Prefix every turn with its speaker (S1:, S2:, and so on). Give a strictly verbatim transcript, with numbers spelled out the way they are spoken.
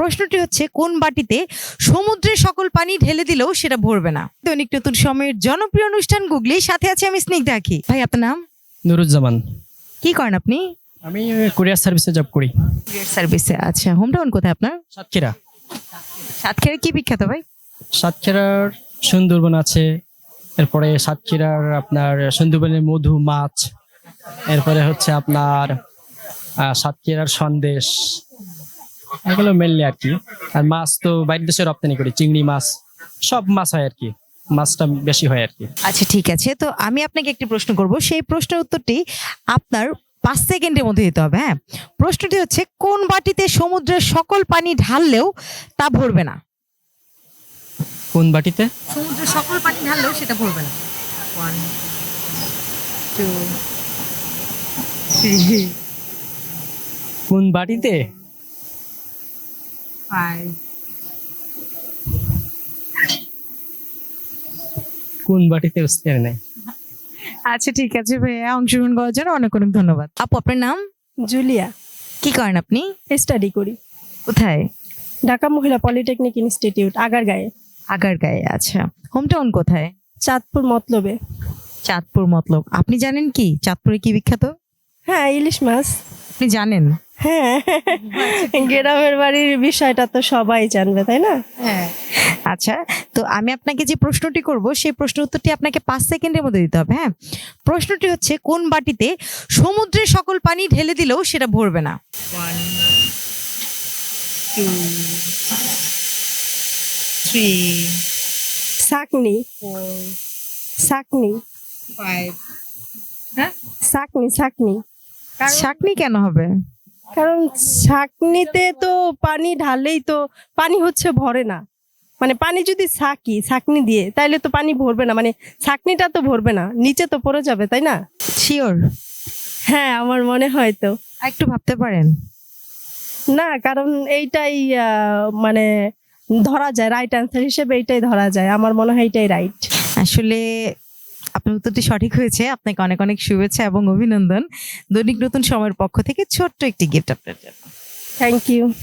S1: প্রশ্নটি হচ্ছে, কোন বাটিতে সমুদ্রের সকল পানি ঢেলে দিলেও সেটা ভরবে না? দৈনিক নতুন সময়ের জনপ্রিয় অনুষ্ঠান গুগলি, সাথে আছে আমি স্নিগ্ধা আঁখি। ভাই, আপনার নাম?
S2: নুরুজ্জামান।
S1: কি করেন আপনি?
S2: আমি কুরিয়ার সার্ভিসে জব করি।
S1: কুরিয়ার সার্ভিসে। আচ্ছা, হোম টাউন কোথায় আপনার?
S2: সাতক্ষীরা।
S1: সাতক্ষীরা কি বিখ্যাত ভাই?
S2: সাতক্ষীরার সুন্দরবন আছে, এরপরে সাতক্ষীরার আপনার সুন্দরবনের মধু মাছ, এরপরে হচ্ছে আপনার আহ, সাতক্ষীরার সন্দেশ, এগুলো মেনলি আর কি। আর মাছ তো বাইরের দেশে রপ্তানি করি, চিংড়ি মাছ, সব মাছ হয় আর কি, মাছটা বেশি হয় আর কি।
S1: আচ্ছা, ঠিক আছে। তো আমি আপনাকে একটি প্রশ্ন করব, সেই প্রশ্নের উত্তরটি আপনার পাঁচ সেকেন্ডের মধ্যে দিতে হবে। হ্যাঁ, প্রশ্নটি হচ্ছে, কোন বাটিতে সমুদ্রের সকল পানি ঢাললেও তা ভরবে না?
S2: কোন বাটিতে?
S1: সমুদ্রের সকল পানি ঢাললেও সেটা ভরবে না। ওয়ান, টু, থ্রি,
S2: কোন বাটিতে?
S1: ফাইভ।
S2: কোন বাটিতে বুঝতে পারি নাই।
S1: আচ্ছা, ঠিক আছে ভাইয়া, অংশগ্রহণ করার জন্য অনেক অনেক ধন্যবাদ। আপু, আপনার নাম?
S3: জুলিয়া।
S1: কি করেন আপনি?
S3: স্টাডি করি
S1: কোথায়?
S3: ঢাকা মহিলা পলিটেকনিক ইনস্টিটিউট, আগারগাঁয়ে।
S1: আগারগাঁয়ে। আচ্ছা, হোম টাউন কোথায়?
S3: চাঁদপুর মতলবে।
S1: চাঁদপুর মতলব। আপনি জানেন কি চাঁদপুরে কি বিখ্যাত?
S3: হ্যাঁ, ইলিশ মাছ।
S1: আপনি জানেন?
S3: হ্যাঁ, গ্রামের বাড়ির বিষয়টা তো সবাই জানবে, তাই না?
S1: হ্যাঁ। আচ্ছা, তো আমি আপনাকে যে প্রশ্নটি করব সেই প্রশ্ন উত্তরটি আপনাকে পাঁচ সেকেন্ডের মধ্যে দিতে হবে। হ্যাঁ, প্রশ্নটি হচ্ছে, কোন বাটিতে সমুদ্রের সকল পানি ঢেলে দিলেও সেটা ভরবে না? ওয়ান, টু, থ্রি,
S3: শাকনি।
S1: ফোর,
S3: শাকনি।
S1: ফাইভ। হ্যাঁ,
S3: শাকনি শাকনি
S1: শাকনি কেন হবে?
S3: কারণ শাকনিতে তো পানি ঢালেই তো পানি হচ্ছে ভরে না। মানে পানি যদি ছাকি ছাকনি দিয়ে, তাইলে তো পানি ভরবে না, মানে ছাকনিটা তো ভরবে না, নিচে তো পড়ে যাবে, তাই না?
S1: শিওর?
S3: হ্যাঁ, আমার মনে হয় তো।
S1: একটু ভাবতে পারেন।
S3: না, কারণ এইটাই আহ, মানে ধরা যায়, রাইট অ্যান্সার হিসেবে এইটাই ধরা যায়, আমার মনে হয় এইটাই রাইট।
S1: আসলে আপনার উত্তরটি সঠিক হয়েছে। আপনাকে অনেক অনেক শুভেচ্ছা এবং অভিনন্দন। দৈনিক নতুন সময়ের পক্ষ থেকে ছোট্ট একটি গিফট আপনার জন্য।
S3: Thank you.